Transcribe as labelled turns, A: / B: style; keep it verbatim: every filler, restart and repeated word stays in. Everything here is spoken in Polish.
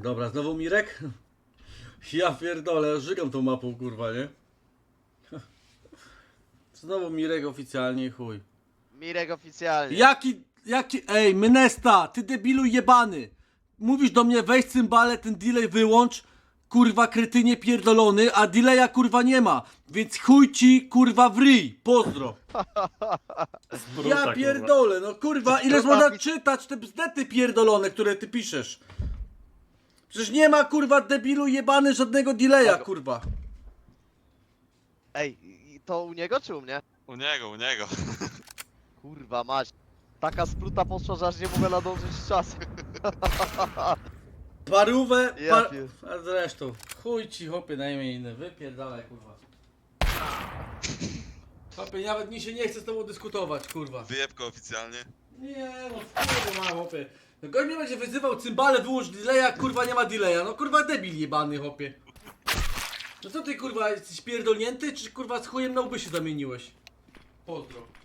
A: Dobra, znowu Mirek? Ja pierdolę, żygam tą mapą, kurwa, nie? Znowu Mirek oficjalnie, chuj.
B: Mirek oficjalnie.
A: Jaki, jaki, ej, Mynesta, ty debilu jebany. Mówisz do mnie, weź cymbale, ten delay wyłącz, kurwa kretynie pierdolony, a delaya kurwa nie ma. Więc chuj ci, kurwa w ryj, pozdro. Ja pierdolę, no kurwa, ile można czytać te bzdety pierdolone, które ty piszesz? Przecież nie ma, kurwa, debilu jebany żadnego delaya, kurwa.
B: Ej, i to u niego czy u mnie?
C: U niego, u niego.
B: Kurwa mać. Taka spruta poszła, że aż nie mogę nadążyć z czasem.
A: Parówę,
B: Ja
A: par...
B: pier-
A: A zresztą, chuj ci, chłopie, najmniej inny, wypierdalaj, kurwa. Chłopie, nawet mi się nie chce z tobą dyskutować, kurwa.
C: Wyjebko oficjalnie.
A: Nie, no kurwa, ma, chłopie. No gość mnie będzie wyzywał, cymbale, wyłącz delaya, kurwa, nie ma delaya. No kurwa, debil jebany, chłopie. No co ty, kurwa, jesteś pierdolnięty, czy kurwa z chujem na łby się zamieniłeś? Pozdro.